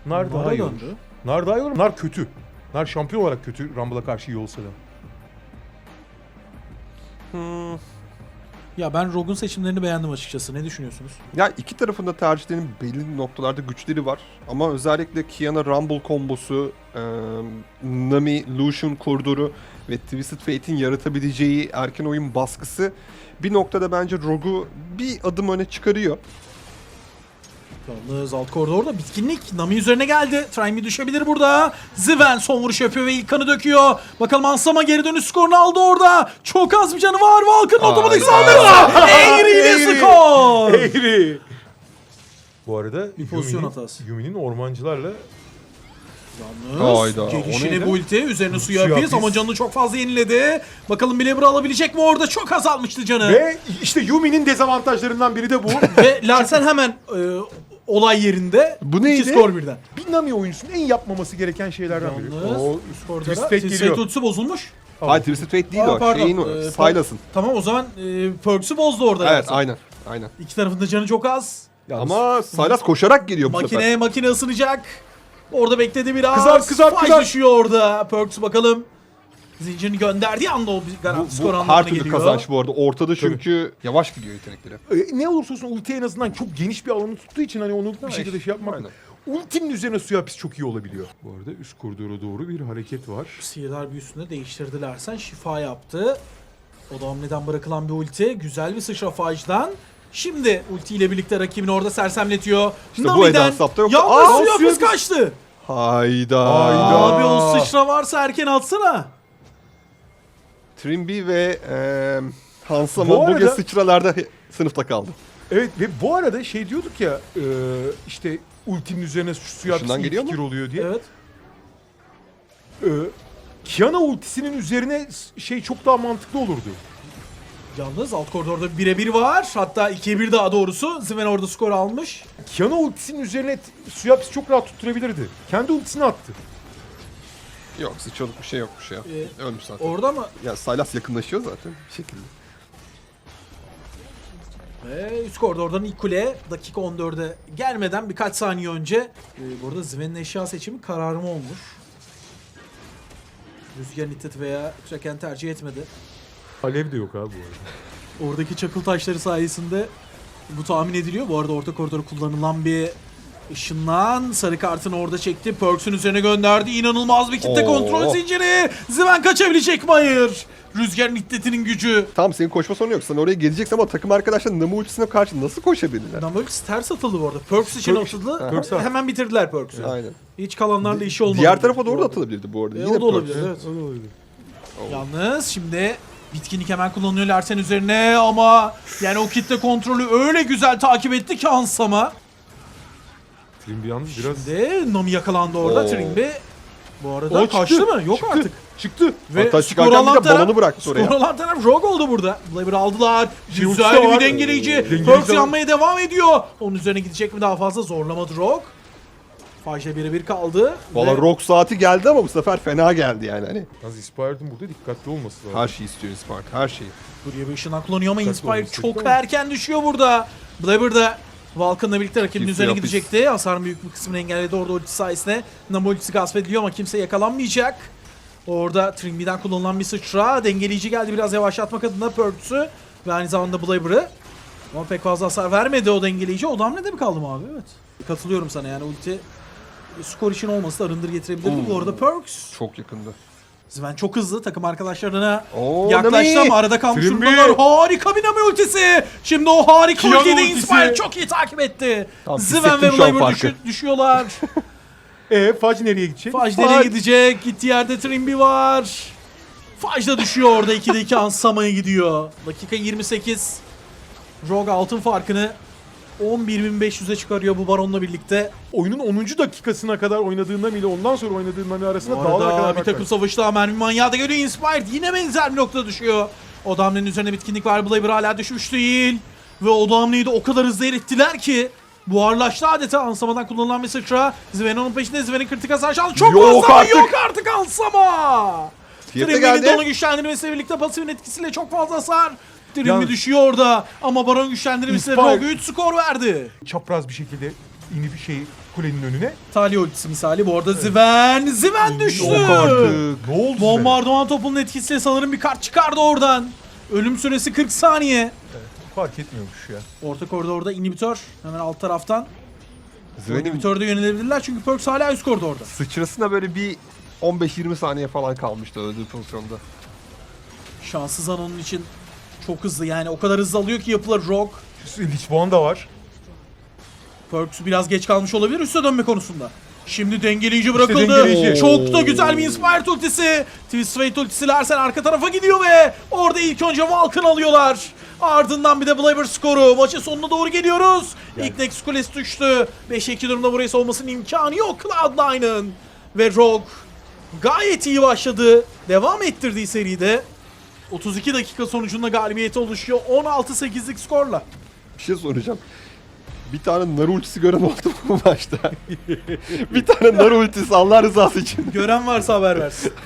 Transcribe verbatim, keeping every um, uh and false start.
Nar daha Nar'a iyi olur. döndü. Nar daha iyi olur. Nar kötü. Nar şampiyon olarak kötü. Rumble'a karşı iyi olsa da. Hmm. Ya ben Rogue'un seçimlerini beğendim açıkçası. Ne düşünüyorsunuz? Ya iki tarafında tercihlerinin belli noktalarda güçleri var. Ama özellikle Kiana Rumble kombosu, e, Nami Lucian koridoru ve Twisted Fate'in yaratabileceği erken oyun baskısı bir noktada bence Rogue'u bir adım öne çıkarıyor. Yalnız alt koridorda bitkinlik Nami üzerine geldi. Trimi düşebilir burada. Zven son vuruş yapıyor ve ilk kanı döküyor. Bakalım Ansama geri dönüş skorunu aldı orada. Çok az bir canı var. Valk'ın otomatik saldırısı. Eğri ile skor. Eğri. Bu arada Bir pozisyon Yumi'nin- hatası. Yumi'nin ormancılarla Yalnız Hayda, o gelişine neydi? bu ulti üzerine suya Suya hapis hapis. ama canını çok fazla yeniledi. Bakalım Blabber'ı alabilecek mi orada? Çok azalmıştı canı. ve işte Yumi'nin dezavantajlarından biri de bu. Ve Larsen hemen e, olay yerinde. Bu neydi? İki skor birden. Bir Nami oyuncusunun en yapmaması gereken şeylerden biri. Yalnız O üst koridora Twist Fate Twist geliyor. Fate ultisi bozulmuş. Hayır, Twisted Fate değil Aa, o. pardon. Şeyin o. Ee, Sylas'ın. Tamam o zaman e, Perks'ü bozdu orada. Evet, Larsen. aynen. Aynen. İki tarafında canı çok az. Ama Sylas koşarak geliyor bu Makine sefer. makine ısınacak. Orada bekledi biraz. Kızar, kızar, Faj kızar. düşüyor orada. Perks bakalım. Zincirini gönderdiği anda o bir Bu, garanti skor bu anlamına her türlü geliyor. kazanç bu arada. Ortada çünkü yavaş gidiyor yetenekleri. E, ne olursa olsun ulti en azından çok geniş bir alanı tuttuğu için hani onu bir şekilde şey yapmak. Aynen. Ultinin üzerine suya hapis çok iyi olabiliyor. Bu arada üst koridora doğru bir hareket var. Sihirdar büyüsünü değiştirdiler. Sen şifa yaptı. O da hamleden bırakılan bir ulti. Güzel bir sıçra Faj'dan. Şimdi ultiyle birlikte rakibini orada sersemletiyor. İşte bu Nami'den Eda yoksa- yalnız Aa, suya suya hapis hapis. kaçtı. Hayda. Hayda. Abi o sıçra varsa erken atsana. Trimby ve e, Hansama Bu bugün arada- sıçralarda sınıfta kaldı. Evet ve bu arada şey diyorduk ya e, işte ultinin üzerine su- suya hapis Dışından iyi geliyor fikir mu? oluyor diye. Evet. E, Kiana ultisinin üzerine s- şey çok daha mantıklı olurdu. Yalnız alt koridorda birebir var. Hatta ikiye bir daha doğrusu. Zven orada skor almış. Kiana ultisinin üzerine t- suya hapis çok rahat tutturabilirdi. Kendi ultisini attı. Yok, sıçralık bir şey yokmuş ya. Ee, Ölmüş zaten. Orada mı? Ya Sylas yakınlaşıyor zaten bir şekilde. Ve üst koridordan ilk kule dakika on dörde gelmeden birkaç saniye önce e, bu arada Zven'in eşya seçimi kararımı olmuş. Rüzgar Nittet veya Kraken tercih etmedi. Alev de yok abi bu arada. Oradaki çakıl taşları sayesinde bu tahmin ediliyor. Bu arada orta koridor kullanılan bir ışınlan. Sarı kartını orada çekti. Perks'ün üzerine gönderdi. İnanılmaz bir kitle Oo. kontrol zinciri. Zven kaçabilecek mi? Hayır. Rüzgar Niddet'inin gücü. Tamam, senin koşma sorunu yok. Sen oraya geleceksin ama takım arkadaşlar Namu ultisine karşı nasıl koşabilirler? Perks ters atıldı bu arada. Perks için Perks- atıldı. Perks at. Hemen bitirdiler Perks'ü. Aynen. Hiç kalanlarla işi olmadı. Diğer tarafa Bu doğru da arada. atılabilirdi bu arada. E, Yine o da Perks. olabilir. Evet. O da olabilir. Yalnız şimdi bitkinlik hemen kullanıyor Larsen üzerine ama yani o kitle kontrolü öyle güzel takip etti ki Ansama. Trimby yalnız biraz... Şimdi Nami yakalandı orada. Oo. Trimby bu arada O kaçtı çıktı, mı? Yok çıktı, artık. Çıktı. Ve Hatta skor çıkarken bir alan de taraf, balonu bıraktı oraya. skor alan taraf Rogue oldu burada. Blaber'ı aldılar. Şey ultisi Güzel de bir var. dengeleyici. Dengeleyici Perks de var. yanmaya devam ediyor. Onun üzerine gidecek mi daha fazla? Zorlamadı Rogue. Faj'la birebir kaldı. Valla Ve rock saati geldi ama bu sefer fena geldi yani hani. Yalnız Inspired'ın burada dikkatli olması lazım. Her şeyi istiyor Spark, her şeyi. buraya bir ışınlan kullanıyor ama Dikkatli Inspire olması çok gerekiyor ama. erken düşüyor burada. Blaber da Vulcan'la birlikte rakibinin Kimse üzerine yok biz. gidecekti. Hasarın büyük bir kısmını engelledi orada ulti sayesinde. Namo ultisi gasp ediliyor ama kimse yakalanmayacak. Orada Trimby'den kullanılan bir sıçra. Dengeleyici geldi biraz yavaşlatmak adına Perks'ü ve aynı zamanda Blaber'ı. Ama pek fazla hasar vermedi o dengeleyici. O da hamlede mi kaldım abi? Evet. Katılıyorum sana yani ulti skor için olması da arındır getirebilirdi. Bu arada Perks. Çok yakında. Zven çok hızlı takım arkadaşlarına Oo, yaklaştı Nami! ama arada kalmış Trimby! durumdalar. Harika bir Nami ultisi. Şimdi o harika Kiana ultiyi de ultisi. Inspire çok iyi takip etti. Tamam, Zven hissettim ve şu an Blaber farkı. düşü- düşüyorlar. E Faj nereye gidecek? Faj nereye gidecek? Gittiği yerde Trimby var. Faj da düşüyor orada. ikide iki Ansama'ya gidiyor. Dakika yirmi sekiz. Rogue altın farkını on bir bin beş yüze çıkarıyor bu Baron'la birlikte. Oyunun onuncu dakikasına kadar oynadığından ile ondan sonra oynadığından arasında Bu dağlar arada kadar bir fark takım var. savaşı daha mermi manyağı da geliyor. Inspired yine benzer bir noktada düşüyor. O damlenin üzerine bitkinlik var. Blaber hala düşmüş değil. Ve o damleyi de o kadar hızlı erittiler ki buharlaştı adeta. Ansamadan kullanılan bir sıçra. Zven onun peşinde. Zven'in kritik hasar şansı çok Yok fazla ama artık. yok artık Ansama. Fiyata Trimby'nin de geldi. onu güçlendirmesiyle birlikte pasifin etkisiyle çok fazla hasar. Trimby Yalnız- düşüyor orada ama Baron güçlendirmesiyle Inspire- Rogue üç skor verdi. Çapraz bir şekilde ini bir şey kulenin önüne. Talia ultisi misali. Bu arada Zven. Zven düştü. Yok artık. Ne oldu? Bombardıman topunun etkisiyle sanırım bir kart çıkardı oradan. Ölüm süresi kırk saniye. Fark etmiyormuş ya. Orta koridorda inhibitör. Hemen alt taraftan. Zven'in İnhibitörde yönelebilirler çünkü Perks hala üst koridorda. sıçrasına böyle bir on beş yirmi saniye falan kalmıştı öldüğü pozisyonda. Şanssız an onun için çok hızlı, yani o kadar hızlı alıyor ki yapılar Rogue. Lich Bond da var. Perks biraz geç kalmış olabilir üste dönme konusunda. Şimdi dengeleyici bırakıldı. dengeleyici. Çok da güzel bir Inspired ultisi. Twist Fate ultisi Larsen arka tarafa gidiyor ve orada ilk önce Vulcan alıyorlar. Ardından bir de Blaber skoru. Maçın sonuna doğru geliyoruz. Yani. İlk Nexus Kulesi düştü. beşe iki durumda burayı savunmasının imkanı yok Cloud nine'ın. Ve Rogue gayet iyi başladı. Devam ettirdiği seride. otuz iki dakika sonucunda galibiyeti oluşuyor. on altı sekizlik skorla. Bir şey soracağım. Bir tane nar ultisi gören oldu mu bu maçta? Bir tane nar ultisi Allah rızası için. Gören varsa haber versin.